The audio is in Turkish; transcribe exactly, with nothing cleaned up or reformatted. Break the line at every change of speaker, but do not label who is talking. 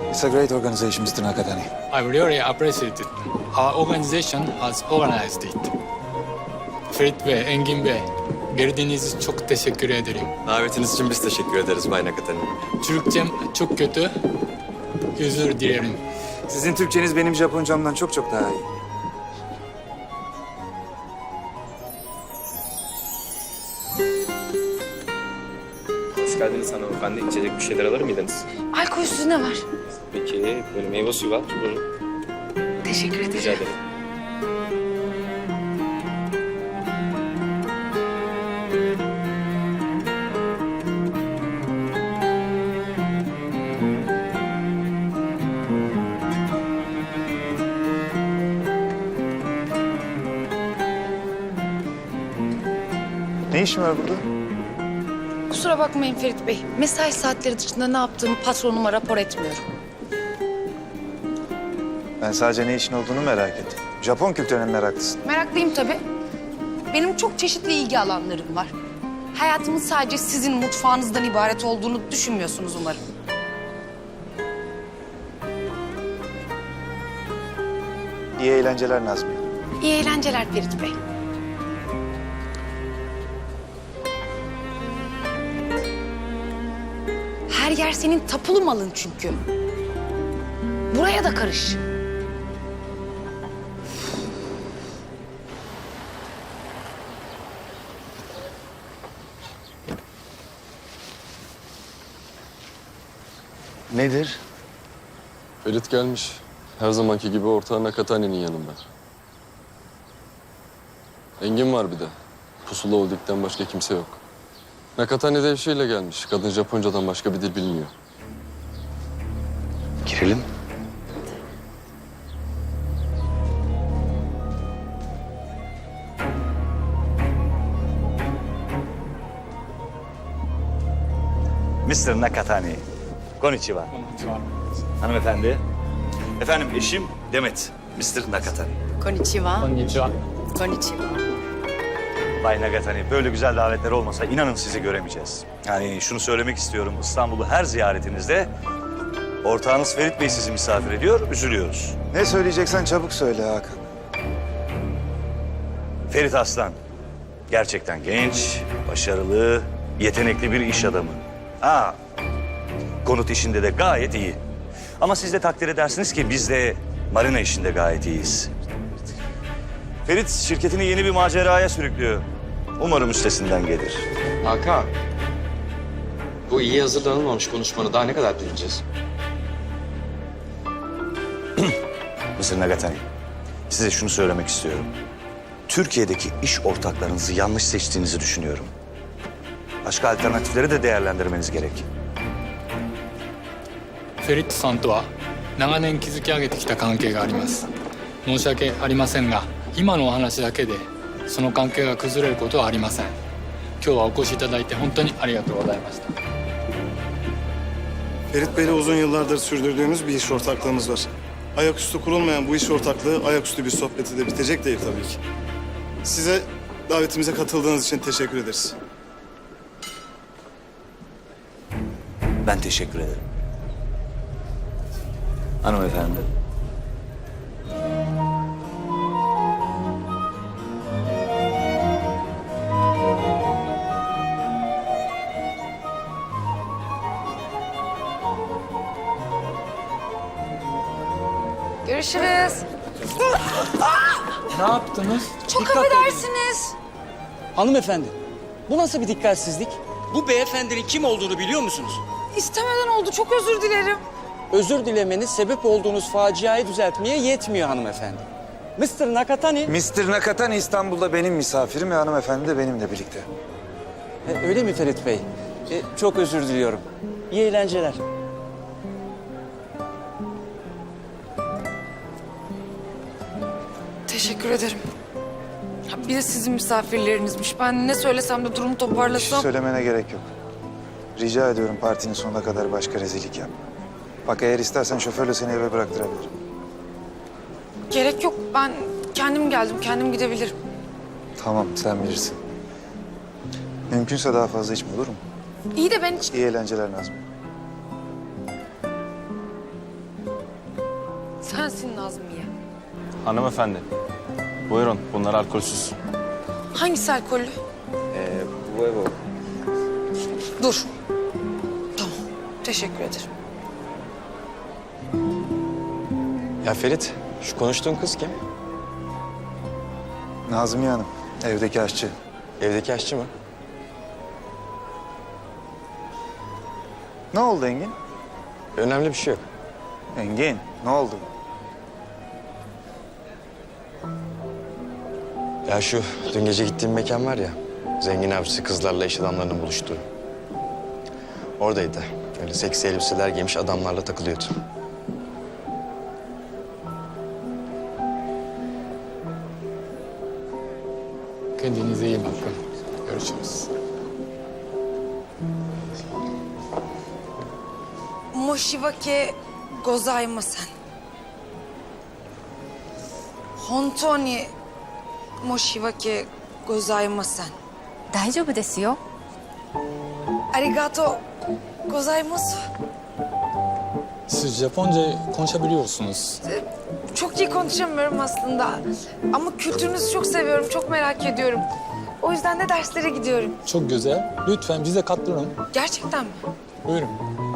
It's a great organization, Mister Nakatani.
I really appreciate it. Our organization has organized it. Ferit Bey, Engin Bey, geldiğiniz için çok teşekkür ederim.
Davetiniz için biz teşekkür ederiz Bay Nakatani.
Türkçem çok kötü. Özür dilerim.
Sizin Türkçeniz benim Japoncamdan çok çok daha iyi.
Hoş geldiniz hanımefendi. İçecek bir şeyler alır mıydınız?
Alkolsüz ne var?
Peki, böyle meyve suyu var. Buyurun.
Teşekkür ederim.
Rica ederim.
Ne işin var burada?
Kusura bakmayın Ferit Bey. Mesai saatleri dışında ne yaptığımı patronuma rapor etmiyorum.
Ben sadece ne işin olduğunu merak ettim. Japon kültürüne mi meraklısın?
Meraklıyım tabii. Benim çok çeşitli ilgi alanlarım var. Hayatımın sadece sizin mutfağınızdan ibaret olduğunu düşünmüyorsunuz umarım.
İyi eğlenceler Nazmi.
İyi eğlenceler Ferit Bey. Her yer senin tapulu malın çünkü. Buraya da karış.
Nedir?
Ferit gelmiş. Her zamanki gibi ortağı Nakatani'nin yanında. Engin var bir de. Pusula Holding'den başka kimse yok. Nakatani de eşiyle gelmiş. Kadın Japoncadan başka bir dil bilmiyor.
Girelim.
Mister Nakatani. Konnichiwa. Hanımefendi. Efendim eşim Demet. Mister Nakatani.
Konnichiwa.
Konnichiwa.
Konnichiwa.
Bay Nakatani, böyle güzel davetler olmasa inanın sizi göremeyeceğiz. Yani şunu söylemek istiyorum. İstanbul'u her ziyaretinizde ortağınız Ferit Bey sizi misafir ediyor, üzülüyoruz.
Ne söyleyeceksen çabuk söyle Hakan.
Ferit Aslan. Gerçekten genç, başarılı, yetenekli bir iş adamı. Ha, konut işinde de gayet iyi. Ama siz de takdir edersiniz ki biz de marina işinde gayet iyiyiz. Ferit şirketini yeni bir maceraya sürüklüyor. Umarım üstesinden gelir.
Hakan, bu iyi hazırlanılmamış konuşmanı daha ne kadar dinleyeceğiz?
Mister Nakatani, size şunu söylemek istiyorum. Türkiye'deki iş ortaklarınızı yanlış seçtiğinizi düşünüyorum. Başka alternatifleri de değerlendirmeniz gerek.
フェリットさんとは長年築き上げてきた関係があります。申し訳ありませんが、今のお話だけでその関係が崩れることはありません。今日はお越しいただいて本当にありがとうございました。
Ferit Bey'le uzun yıllardır sürdürdüğümüz bir iş ortaklığımız var. Ayaküstü kurulmayan bu iş ortaklığı ayaküstü bir sohbeti de bitecek değil tabii ki. Size davetimize katıldığınız için teşekkür ederiz.
Ben teşekkür ederim. Hanımefendi.
Görüşürüz.
Ne yaptınız?
Çok affedersiniz.
Hanımefendi, bu nasıl bir dikkatsizlik? Bu beyefendinin kim olduğunu biliyor musunuz?
İstemeden oldu. Çok özür dilerim.
Özür dilemeniz sebep olduğunuz faciayı düzeltmeye yetmiyor hanımefendi. Mister Nakatani...
Mister Nakatani İstanbul'da benim misafirim ve hanımefendi de benimle birlikte.
E, öyle mi Ferit Bey? E, çok özür diliyorum. İyi eğlenceler.
Teşekkür ederim. Ya bir de sizin misafirlerinizmiş. Ben ne söylesem de durumu
Hiç
toparlasam...
söylemene gerek yok. Rica ediyorum partinin sonuna kadar başka rezillik yapma. Bak eğer istersen şoförle seni eve bıraktırabilirim.
Gerek yok. Ben kendim geldim. Kendim gidebilirim.
Tamam sen bilirsin. Mümkünse daha fazla içme olur mu?
İyi de ben hiç...
İyi eğlenceler Nazmi.
sensin Nazmiye.
Hanımefendi. Buyurun bunlar alkolsüz.
Hangisi alkollü?
Ee, bu ev o.
Dur. Tamam, teşekkür ederim.
Ya Ferit, şu konuştuğun kız kim?
Nazmiye Hanım, evdeki aşçı.
Evdeki aşçı mı?
Ne oldu Engin?
Önemli bir şey yok.
Engin, ne oldu?
Ya şu dün gece gittiğim mekan var ya, zengin avcısı kızlarla iş adamlarının buluştuğu. Oradaydı. Öyle seksi elbiseler giymiş adamlarla takılıyordu.
Kendinize iyi bakın. Görüşürüz.
申し訳ございません。本当に申し訳ございません。
大丈夫ですよ。
ありがとうございます。
Siz Japonca konuşabiliyorsunuz.
Çok iyi konuşamıyorum aslında. Ama kültürünüzü çok seviyorum, çok merak ediyorum. O yüzden de derslere gidiyorum.
Çok güzel. Lütfen bize katılın.
Gerçekten mi?
Buyurun.